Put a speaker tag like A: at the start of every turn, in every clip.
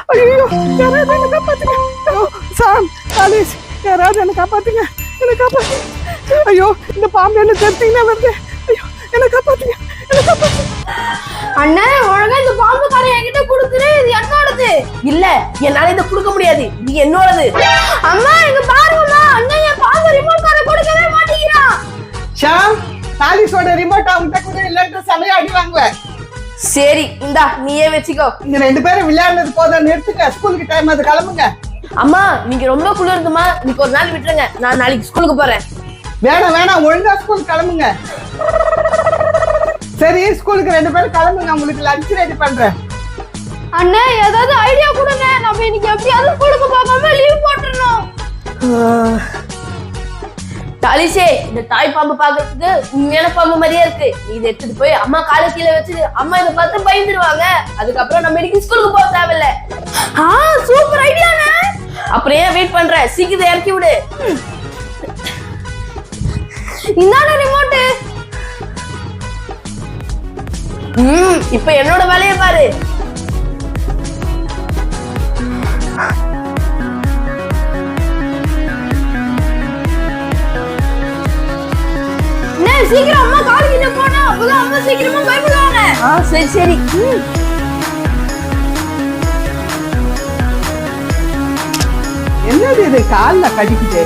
A: ஐயோ யாராவது என்ன காப்பாத்துங்க. சாம் காலேஜ் யாராவது என்ன காப்பாத்துங்க. என்ன காப்பாத்துங்க. ஐயோ இந்த பாம்பு என்ன தெரிஞ்சிங்கன்னா வருது. ஐயோ என்ன காப்பாத்துங்க. என்ன காப்பாத்துங்க.
B: அண்ணே ஒழுங்கா இந்த பாம்பு காரை என்கிட்ட கொடுத்துரு. இது என்னோடது.
C: இல்ல என்னால இதை கொடுக்க முடியாது. இது என்னோடது.
B: அம்மா இங்க பாருங்கம்மா. அண்ணன் என் பாம்பு ரிமோட் காரை கொடுக்கவே மாட்டேங்கிறான்.
A: ஷாம் காலேஜோட ரிமோட் அவங்கிட்ட கூட இல்லைன்ற சமயம் அடி வாங்குவேன்.
C: சரி இந்தா நீயே வச்சுக்கோ.
A: நீங்க 2 பேரும் விளையாடுறது போதும், நிறுத்துங்க. ஸ்கூலுக்கு டைம் அது, கிளம்புங்க.
C: அம்மா நீங்க ரொம்ப குளிருதுமா, இன்னைக்கு ஒரு நாள் விட்டுருங்க. நான் நாளைக்கு ஸ்கூலுக்கு போறேன்.
A: வேணாம் வேணாம், ஒழுங்கா ஸ்கூலுக்கு கிளம்புங்க. சரி ஸ்கூலுக்கு 2 பேரும் கிளம்புங்க. உங்களுக்கு லஞ்ச் ரெடி பண்றேன்.
B: அண்ணே ஏதாவது ஐடியா கொடுங்க. நம்ம இன்னைக்கு எப்படியாவது ஸ்கூலுக்கு போகாம லீவ் போட்டுறணும்.
C: தாலிஷே இந்த தாய் பாம்பு பாக்குறதுக்கு உண்மையான பாம்பு மாதிரியே இருக்கு. இதை எடுத்துட்டு போய் அம்மா காலை கீழே வச்சு அம்மா இதை பார்த்து பயந்துருவாங்க. அதுக்கப்புறம் நம்ம இன்னைக்கு ஸ்கூலுக்கு போக தேவையில்ல.
B: சூப்பர் ஐடியாண்ணே.
C: அப்புறம் ஏன் வெயிட் பண்ற, சீக்கிரம் இறக்கி விடு.
B: இந்தான ரிமோட்.
C: இப்ப என்னோட வேலையை பாரு.
B: சீக்கிரம் அம்மா கால் கிட்ட போனா அப்பதான் அம்மா சீக்கிரமா பயப்படுவாங்க.
C: சரி சரி.
A: என்னது இது கால்ல கடிக்குது?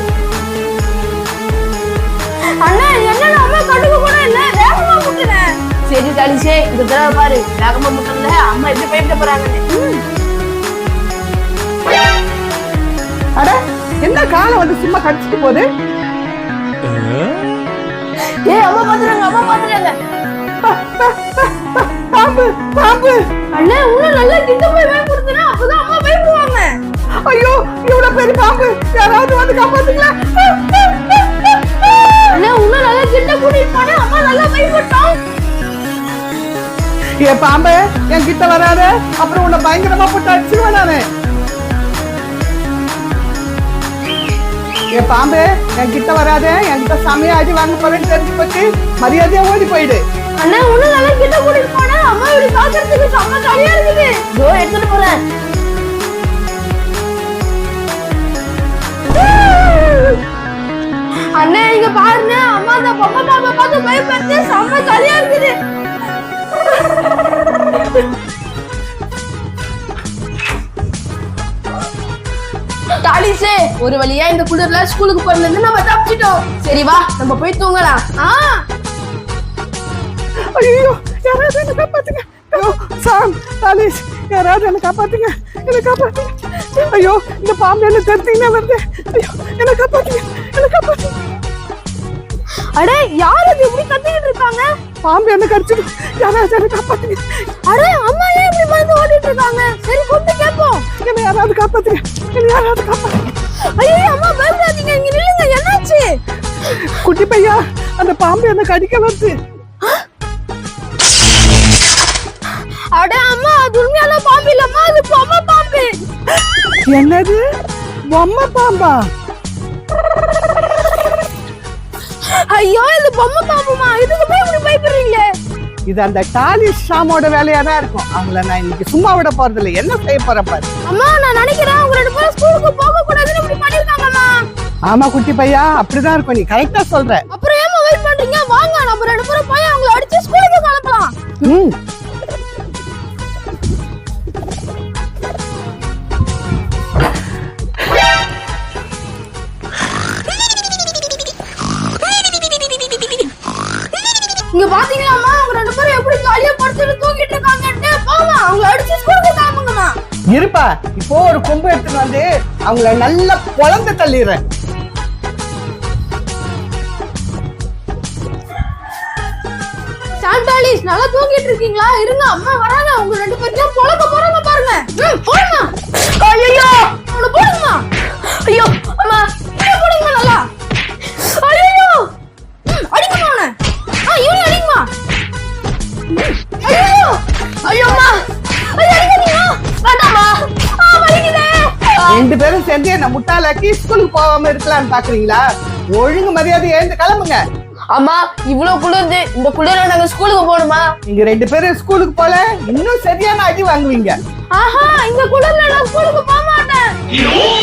B: அண்ணா என்ன அம்மா கடுகு கூட இல்ல, வேகமா முட்டுறேன்.
C: சரி தாலிஷே இந்த தடவை பாரு, வேகமா முட்டல அம்மா எப்படி பயப்பட போறாங்கன்னு.
A: அட என்ன காலை வந்து சும்மா கடிச்சிட்டு போகுது?
C: அம்மா பாத்துறாங்க, அம்மா பாத்துறாங்க.
A: பாம்பு பாம்பு.
B: அண்ணா இன்னும் நல்லா கிட்ட போய் பயப்படுத்துனா அப்பதான் அம்மா பயப்படுவாங்க.
A: ஐயோ இவ்வளவு பெரிய பாம்பு, யாராவது வந்து காப்பாத்துங்களா.
B: அண்ணா இன்னும் நல்லா கிட்ட கூட்டிட்டு போனா அம்மா நல்லா பயப்பட்டோம்.
A: ஏ பாம்பு என் கிட்ட வராத, அப்புறம் உன்னை பயங்கரமா போட்டு அடிச்சுடுவேன் நானு. ஏ பாம்பு என் கிட்ட வராத, என்கிட்ட சமைய அடி வாங்க போறேன்னு தெரிஞ்சு போச்சு. மரியாதையா ஓடி போயிடு.
B: அண்ணா இன்னும் நல்லா கிட்ட கூட்டிட்டு போனா அம்மா இப்படி பாக்குறதுக்கு செம்ம ஜாலியா இருக்குது.
C: எடுத்துட்டு போறேன்.
B: அண்ணா இங்க பாருங்க, அம்மா அந்த பொம்மை பாம்பை பார்த்து பயப்பட்டு செம்ம ஜாலியா இருக்குது.
C: தாலிஷே ஒரு வழியா இந்த குளிர்ல ஸ்கூலுக்கு போறதுல நம்ம தப்பிச்சிட்டோம். சரி வா நம்ம போய் தூங்கலாம்.
A: ஐயோ யாராவது என்ன காப்பாத்துங்க. ஐயோ சாம் தாலிஷ் யாராவது என்ன காப்பாத்துங்க. என்ன காப்பாத்துங்க. ஐயோ இந்த பாம்பு என்ன தெரிஞ்சிங்கன்னா வருது. ஐயோ என்ன காப்பாத்துங்க. என்ன காப்பாத்துங்க.
B: அடே யாரு இப்படி கத்திக்கிட்டு இருக்காங்க?
A: பாம்பு என்ன கடிச்சிடு. யாராவது என்ன காப்பாத்துங்க.
B: அடே அம்மா ஏன் இப்படி பயந்து ஓடிட்டு இருக்காங்க? சரி கூப்பிட்டு கேட்போம்.
A: என்ன யாராவது காப்பாத்துங்க. என்ன யாராவது காப்பாத்துங்க.
B: ஐயோ அம்மா பயப்படாதீங்க, இங்க நில்லுங்க. என்னாச்சு?
A: குட்டி பையா அந்த பாம்பு என்ன கடிக்க வருது.
B: அட அம்மா அது உண்மையான பாம்பு இல்லம்மா, அது பொம்மை பாம்பு.
A: என்னது பொம்மை பாம்பா?
B: ஐயோ இது பொம்மை பாம்புமா, இதுக்கு போய் இப்படி பயப்படுறீங்களே?
A: இது அந்த டாலிஷ் ஷாமோட வேலையா தான் இருக்கும். அவங்கள நான் இன்னைக்கு சும்மா விட போறது இல்லை. என்ன செய்ய போற பாரு.
B: அம்மா நான் நினைக்கிறேன் அவங்க 2 பேரும் ஸ்கூலுக்கு போக கூடாதுன்னு இப்படி பண்ணிருக்காங்கம்மா.
A: ஆமா குட்டி பையா அப்படிதான் இருக்கும். நீ கரெக்டா சொல்ற.
B: அப்புறம் ஏமா வெயிட் பண்றீங்க? வாங்க நம்ம 2 பேரும் போய் அவங்கள அடிச்சு ஸ்கூலுக்கு அனுப்பலாம். இங்க பாத்தீங்களா அம்மா, அவங்க 2 பேரும் எப்படி ஜாலியா படுத்துட்டு தூங்கிட்டு இருக்காங்கன்னு. போங்க அவங்கள அடிச்சு ஸ்கூலுக்கு தாமுங்கம்மா.
A: இருப்பா இப்போ ஒரு கொம்பு எடுத்துட்டு வந்து அவங்கள நல்லா பொளந்து தள்ளிடுறேன்.
B: சாண்டாலிஸ் நல்லா தூங்கிட்டு இருக்கீங்களா? இருங்க அம்மா வராங்க. அவங்க 2 பேரும் பொளக்க போறாங்க பாருங்க. போடுங்க.
C: ஐயோ
B: அவளை போடுங்கம்மா.
C: ஐயோ அம்மா
B: போடுங்க நல்லா. ஐயோ அடிங்கம்மா அவனை. இவனை அடிங்கம்மா. ஐயோ
C: ஐயோம்மா
B: அடிக்காதீங்க.
C: வேண்டாமா.
B: வலிக்குதே.
A: 2 பேரும் சேர்ந்து என்ன முட்டாளாக்கி ஸ்கூலுக்கு போகாம இருக்கலாம்னு பாக்குறீங்களா? ஒழுங்கு மரியாதை எழுந்து கிளம்புங்க.
C: அம்மா இவ்வளவு குளிர்ந்து, இந்த குளிர நாங்க ஸ்கூலுக்கு போகணுமா?
A: நீங்க 2 பேரும் ஸ்கூலுக்கு போல இன்னும் சரியான அடி வாங்குவீங்க.
B: ஆஹா இந்த குளிர்ல நான் ஸ்கூலுக்கு போக மாட்டேன்